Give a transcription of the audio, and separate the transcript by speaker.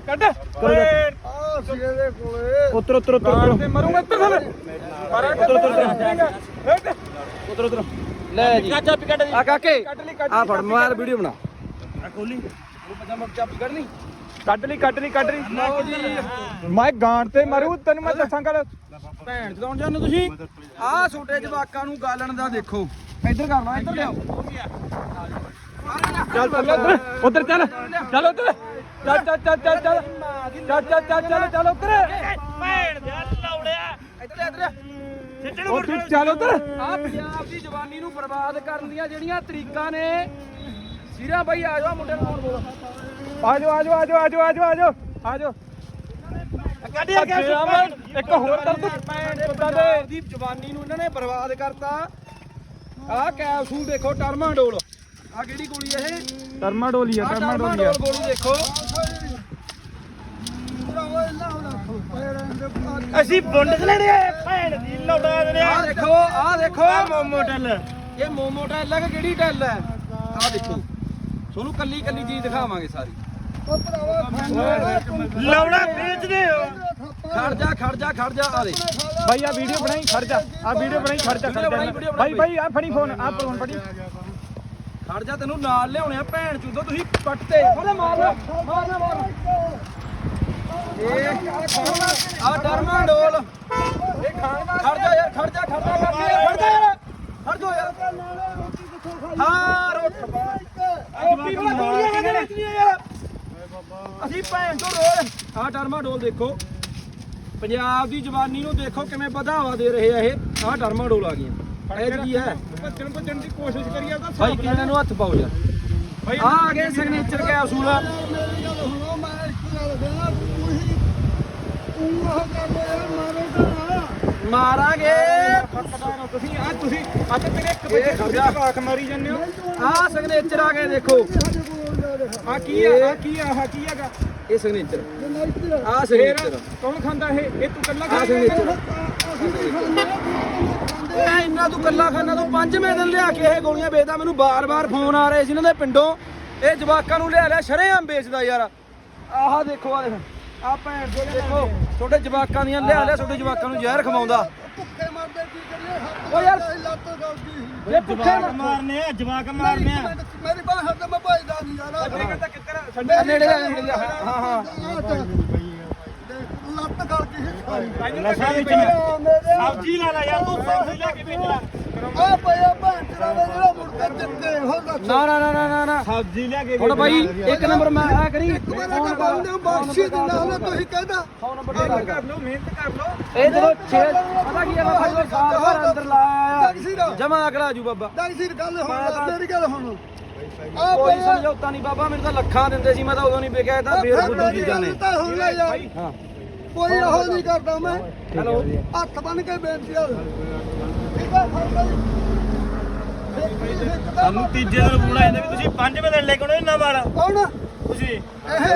Speaker 1: ਕੱਢ
Speaker 2: ਉਤਰ ਉਤਰ ਉਤਰ
Speaker 1: ਤੇ ਮਰੂੰਗਾ ਇੱਧਰ ਥੱਲੇ
Speaker 2: ਉਤਰ ਉਤਰ ਲੈ ਜੀ ਆ ਕਾਕੇ ਆ ਫੜ ਮੋਬਾਈਲ ਵੀਡੀਓ ਬਣਾ ਆ ਖੋਲੀ ਪਜਾਮਾ ਚਾਬੀ ਕੱਢਣੀ
Speaker 1: ਕੱਢ ਲਈ ਮੈਂ ਗਾਂਡ ਤੇ ਮਰੂ ਤੈਨੂੰ ਮੈਂ ਦੱਸਾਂ ਗੱਲ
Speaker 2: ਭੈਣ ਚਲਾਉਣ ਜਾਂਦੇ ਤੁਸੀਂ ਆਹ ਛੋਟੇ ਜਵਾਕਾਂ ਨੂੰ ਗਾਲਣ ਦਾ ਦੇਖੋ ਇੱਧਰ ਕਰ ਲਾ ਇੱਧਰ ਲਿਆਓ
Speaker 1: ਚੱਲ ਉਧਰ ਚੱਲ ਚੱਲ ਉਧਰ ਚੱਲ ਉਧਰ
Speaker 3: ਭੈਣ ਦੇ ਲੌੜਿਆ
Speaker 2: ਇੱਧਰ
Speaker 1: ਉਹ ਤੂੰ ਚੱਲ ਉਧਰ
Speaker 2: ਆ ਪੰਜਾਬ ਦੀ ਜਵਾਨੀ ਨੂੰ ਬਰਬਾਦ ਕਰਨ ਦੀਆਂ ਜਿਹੜੀਆਂ ਤਰੀਕਾਂ ਨੇ ਸੀਰਾ ਬਾਈ ਆ ਜਾਓ ਮੁੰਡੇ ਨੂੰ ਬੋਲ
Speaker 1: ਆਜੋ ਇੱਕ ਹੋਰ ਕਰ ਤੂੰ
Speaker 2: ਪੰਜਾਬ ਦੀ ਜਵਾਨੀ ਨੂੰ ਇਹਨਾਂ ਨੇ ਬਰਬਾਦ ਕਰਤਾ ਆਹ ਕੈਪਸੂਲ ਦੇਖੋ ਟਰਮਾਡੋਲ ਆ ਕਿਹੜੀ ਗੋਲੀ ਇਹ
Speaker 1: ਟਰਮਾਡੋਲੀ ਆ
Speaker 2: ਟਰਮਾਡੋਲ ਗੋਲੀ ਦੇਖੋ
Speaker 3: ਅਸੀਂ ਬੁੰਡ ਚ ਲੈਣੇ ਆ ਭੈਣ ਦੀ ਲੌੜਾ ਦੇ
Speaker 2: ਆ ਦੇਖੋ
Speaker 3: ਮੋਮੋ ਟੱਲ
Speaker 2: ਇਹ ਮੋਮੋ ਟੈਲ ਹੈ ਕਿ ਕਿਹੜੀ ਟੈਲ ਹੈ ਆ ਦੇਖੋ ਤੁਹਾਨੂੰ ਕੱਲੀ ਕੱਲੀ ਚੀਜ਼ ਦਿਖਾਵਾਂਗੇ ਸਾਰੀ
Speaker 3: ਲੌੜਾ ਵੇਚਦੇ ਹੋ
Speaker 2: ਖੜ ਜਾ ਆ ਦੇ
Speaker 1: ਭਾਈ ਆ ਵੀਡੀਓ ਬਣਾਈ ਖੜ ਜਾ ਭਾਈ ਆ ਫੜੀ ਫੋਨ ਫੜੀ
Speaker 2: ਖੜ ਜਾ ਤੈਨੂੰ ਨਾਲ ਲਿਆਉਣੇ ਆ ਭੈਣ ਚੂਦੋ ਤੁਸੀਂ ਪੱਟਦੇ ਉਹਦੇ ਮਾਰ ਇਹ ਆ ਟਰਮਾਡੋਲ ਇਹ ਖੜ ਜਾ ਯਾਰ ਖੜ ਜਾ ਯਾਰ ਹਾਂ ਰੋਟੀ ਵਾਲਾ ਗੋਲੀਆਂ ਕਹਿੰਦੇ ਵੇਚਦੀਆਂ ਯਾਰ ਅਸੀਂ ਭੈਣ ਤੋਂ ਰੋਜ਼ ਆ ਟਰਮਾਡੋਲ ਦੇਖੋ ਪੰਜਾਬ ਦੀ ਜਵਾਨੀ ਨੂੰ ਦੇਖੋ ਕਿਵੇਂ ਵਧਾਵਾ ਦੇ ਰਹੇ ਆ ਇਹ ਆ ਟਰਮਾਡੋਲ ਆ ਗਈਆਂ ਇਹ ਕੀ ਹੈ
Speaker 1: ਭੱਜਣ ਦੀ ਕੋਸ਼ਿਸ਼ ਕਰੀ ਆ
Speaker 2: ਭਾਈ ਕਿਹਨਾਂ ਨੂੰ ਹੱਥ ਪਾਓ ਯਾਰ ਆ ਗਏ ਸਿਗਨੇਚਰ ਕੈਪਸੂਲ ਮਾਰਾਂਗੇ
Speaker 1: ਤੁਸੀਂ ਅੱਜ ਤੇਰੇ ਇੱਕ ਬੱਚੇ ਆਖ ਮਾਰੀ ਜਾਂਦੇ ਹੋ
Speaker 2: ਆ ਸਿਗਨੇਚਰ ਆ ਗਏ ਦੇਖੋ
Speaker 1: ਆ ਕੀ ਹੈਗਾ
Speaker 2: ਇਹ ਸਿਗਨੇਚਰ ਆ ਸਿਗਨੇਚਰ
Speaker 1: ਕੌਣ ਖਾਂਦਾ ਇਹ ਤੂੰ ਕੱਲਾ
Speaker 2: ਆ ਸਿਗਨੇਚਰ ਇਹ ਇੰਨਾ ਤੂੰ ਕੱਲਾ ਖਾਨਾ ਤੂੰ ਪੰਜਵੇਂ ਦਿਨ ਲਿਆ ਕੇ ਇਹ ਗੋਲੀਆਂ ਵੇਚਦਾ ਮੈਨੂੰ ਬਾਰ-ਬਾਰ ਫੋਨ ਆ ਰਹੇ ਸੀ ਇਹਨਾਂ ਦੇ ਪਿੰਡੋਂ ਇਹ ਜਵਾਕਾਂ ਨੂੰ ਲਿਆ ਸ਼ਰੇਆਮ ਵੇਚਦਾ ਯਾਰ ਆਹ ਦੇਖੋ ਆ ਦੇਖ ਆ ਭੈਣ ਦੇ ਦੇਖੋ ਛੋਟੇ ਜਵਾਕਾਂ ਦੀਆਂ ਲਿਆ ਛੋਟੇ ਜਵਾਕਾਂ ਨੂੰ ਜ਼ਹਿਰ ਖਵਾਉਂਦਾ ਭੁੱਖੇ ਮਰਦੇ ਕੀ ਕਰੀਏ ਓ ਯਾਰ ਲੱਤ ਗਲਦੀ ਇਹ ਭੁੱਖੇ
Speaker 3: ਮਾਰਨੇ ਆ ਜਵਾਕ ਮਾਰਨੇ ਆ
Speaker 2: ਮੇਰੀ ਬਾਹ ਹੱਥ ਮੈਂ ਭਜਦਾ ਨਹੀਂ ਯਾਰ ਨੇੜੇ ਹਾਂ ਲੱਤ ਗਲ ਗਈ
Speaker 3: ਨਸ਼ਾ ਵਿੱਚ ਸਬਜ਼ੀ ਲਾ ਯਾਰ ਤੂੰ ਸਬਜ਼ੀ ਲੈ ਕੇ ਵੇਚਣਾ
Speaker 2: ਆ ਪਿਆ ਭੈਣ ਤੇਰਾ ਜਿਹੜਾ ਮੁਰਗਾ ਦਿੱਤੇ ਹੋ ਨਾ
Speaker 3: ਸਬਜ਼ੀ ਲੈ ਕੇ
Speaker 2: ਹੁਣ ਬਾਈ ਇੱਕ ਨੰਬਰ ਮੈਂ ਆ ਕਰੀ
Speaker 4: ਬਖਸ਼ੀ ਦਿੰਦਾ ਹਲੇ ਤੁਸੀਂ ਕਹਿੰਦਾ
Speaker 2: 100 ਨੰਬਰ ਦੀ ਗੱਲ ਕਰ
Speaker 1: ਲਓ ਮਿਹਨਤ ਕਰ ਲਓ
Speaker 2: ਇਹ ਜਦੋਂ 6 ਪਤਾ ਕੀ ਹੈ ਮੈਂ ਭਾਈ ਸਾਲ ਭਰ ਅੰਦਰ ਲਾਇਆ ਜਮਾ ਅਕੜਾ ਜੂ ਬਾਬਾ
Speaker 4: ਡਾਂਗਸੀਰ ਗੱਲ ਹੁਣ ਮੇਰੀ ਗੱਲ ਹੁਣ
Speaker 2: ਕੋਈ ਸਮਝੌਤਾ ਨਹੀਂ ਬਾਬਾ ਮੈਨੂੰ ਤਾਂ ਲੱਖਾਂ ਦਿੰਦੇ ਸੀ ਮੈਂ ਤਾਂ ਉਦੋਂ ਨਹੀਂ ਵੇਖਿਆ ਇਹ ਤਾਂ ਬੇਰੁੱਧ ਚੀਜ਼ਾਂ ਨੇ
Speaker 4: ਤਾਂ ਹੁਣ ਲੈ ਜਾ
Speaker 2: ਹਾਂ
Speaker 4: ਕੋਈ ਇਹੋ ਨਹੀਂ ਕਰਦਾ ਮੈਂ
Speaker 2: ਹੈਲੋ
Speaker 4: ਹੱਥ ਬੰਨ ਕੇ ਬੇਨਤੀ ਆ ਠੀਕ ਆ ਫੜ ਲਈ
Speaker 3: ਸਾਨੂੰ ਤੀਜੇ ਦਿਨ ਫੋਨ ਆਇਆ ਵੀ ਤੁਸੀਂ 5 ਵਜੇ ਲੈ ਕੇ ਆਉਣਾ ਇਹਨਾਂ ਵਾਲਾ
Speaker 4: ਕੌਣ
Speaker 3: ਤੁਸੀਂ
Speaker 4: ਇਹ